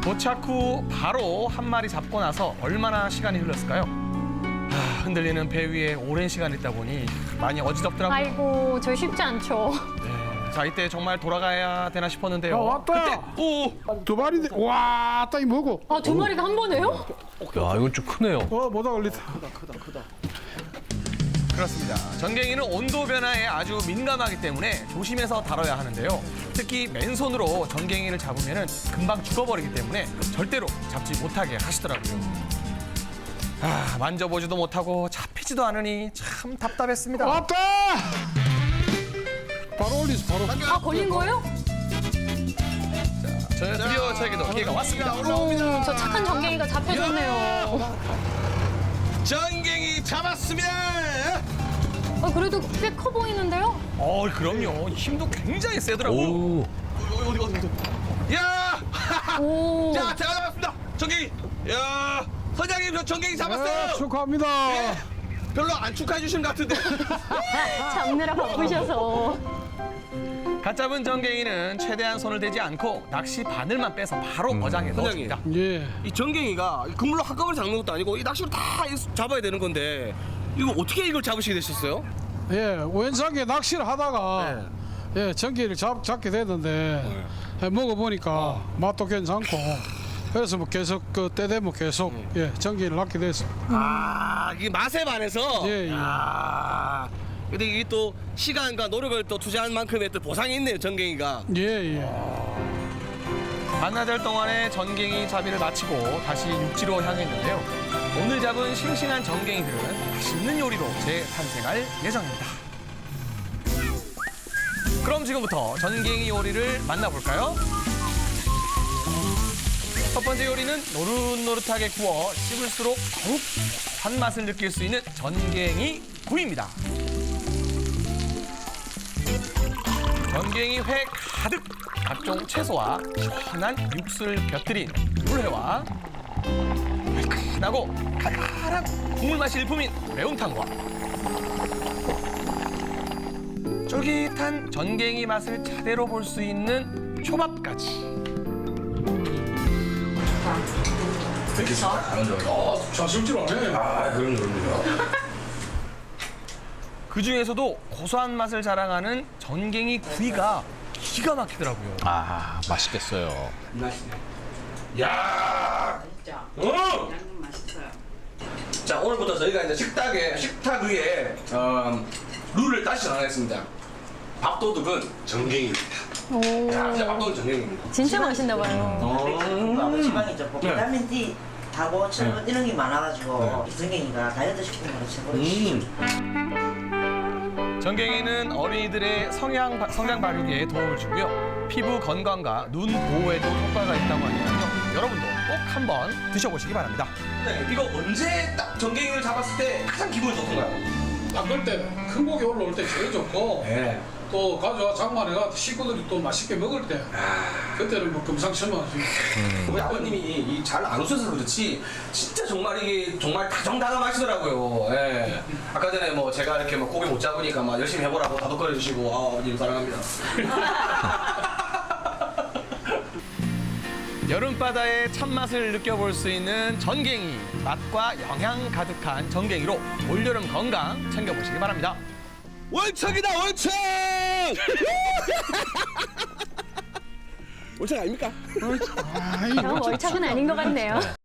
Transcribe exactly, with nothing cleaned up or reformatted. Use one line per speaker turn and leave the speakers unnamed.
도착 후 바로 한 마리 잡고 나서 얼마나 시간이 흘렀을까요? 아, 흔들리는 배 위에 오랜 시간 있다 보니 많이 어지럽더라고요.
아이고, 저 쉽지 않죠.
네, 자, 이때 정말 돌아가야 되나 싶었는데요.
야, 왔다.
그때 오,
두 마리인데 와, 따이 뭐고?
아, 두 마리가 한 번에요?
야, 이건 좀 크네요.
어, 뭐다 걸리다.
그렇습니다. 전갱이는 온도 변화에 아주 민감하기 때문에 조심해서 다뤄야 하는데요. 특히 맨손으로 전갱이를 잡으면 금방 죽어버리기 때문에 절대로 잡지 못하게 하시더라고요. 아, 만져보지도 못하고 잡히지도 않으니 참 답답했습니다.
왔다. 바로 올리서 바로.
아, 걸린 거예요?
저 드디어 저에게도 기회가 왔습니다.
오, 저 착한 전갱이가 잡혀줬네요.
전갱이 잡았습니다.
아, 그래도 꽤 커 보이는데요?
어, 그럼요. 힘도 굉장히 세더라고요.
오.
어디 어디 어디. 야,
오.
자 제가 잡았습니다. 전갱이. 야, 선장님 저 전갱이 잡았어요.
네, 축하합니다.
예. 별로 안 축하해 주신 것 같은데.
잡느라 바쁘셔서.
갓 잡은 전갱이는 최대한 손을 대지 않고 낚시 바늘만 빼서 바로 어장에
선장님.
넣어줍니다.
예.
이 전갱이가 그물로 한꺼번에 잡는 것도 아니고 이 낚시로 다 잡아야 되는 건데 이거 어떻게 이걸 잡으시게 되셨어요?
예, 우연찮게 낚시를 하다가
네.
예, 전기를 잡, 잡게 됐는데 예, 먹어보니까 맛도 괜찮고 그래서 뭐 계속 그 때 되면 계속 예, 전기를 낚게 됐습니다.
아, 이게 맛에 반해서.
예, 예.
아, 근데 이게 또 시간과 노력을 또 투자한 만큼의 또 보상이 있네요, 전갱이가.
예, 예.
반나절 동안의 전갱이 잡이를 마치고 다시 육지로 향했는데요. 오늘 잡은 싱싱한 전갱이들은 맛있는 요리로 재탄생할 예정입니다. 그럼 지금부터 전갱이 요리를 만나볼까요? 첫 번째 요리는 노릇노릇하게 구워 씹을수록 더욱 고소한 맛을 느낄 수 있는 전갱이 구이입니다. 전갱이 회 가득 각종 채소와 시원한 육수를 곁들인 물회와 달큰하고 칼칼한 국물 맛이 일품인 매운탕과 쫄깃한 전갱이 맛을 차례로 볼 수 있는 초밥까지.
자식질 안 해.
아, 그런 그럼요.
그 중에서도 고소한 맛을 자랑하는 전갱이 구이가 기가 막히더라고요.
아, 맛있겠어요.
야,
진짜.
어!
양념 맛있어요.
자, 오늘부터 저희가 이제 식탁에 식탁 위에 어, 룰을 다시 정하겠습니다. 밥도둑은 전갱이입니다.
오.
자, 진짜 밥도둑은 전갱이입니다.
진짜 맛있나 봐요.
음. 지방이죠. 뭐
네.
비타민 D, 하고 철분 이런 게 많아가지고 전갱이가 다이어트 식품으로 최고로.
음.
전갱이는 어린이들의 성향, 바- 성장 발육에 도움을 주고요. 피부 건강과 눈 보호에도 효과가 있다고 하니까요. 여러분도 꼭 한번 드셔보시기 바랍니다.
네, 이거 언제 딱 전갱이를 잡았을 때 가장 기분이 좋던가요?
낚을 때 큰 고기 올라올 때 제일 좋고
네.
또 가져와 장만해가 식구들이 또 맛있게 먹을 때 그때는 뭐 금상첨화지.
우리 아버님이 잘 안 오셔서 그렇지 진짜 정말 이게 정말 다정다감하시더라고요. 예. 아까 전에 뭐 제가 이렇게 막 고기 못 잡으니까 막 열심히 해보라고 다독거려 주시고 아, 아버님 사랑합니다.
여름바다의 참맛을 느껴볼 수 있는 전갱이. 맛과 영양 가득한 전갱이로 올여름 건강 챙겨보시기 바랍니다.
월척이다 월척! 월척 아닙니까?
저 월척은 아닌 것 같네요.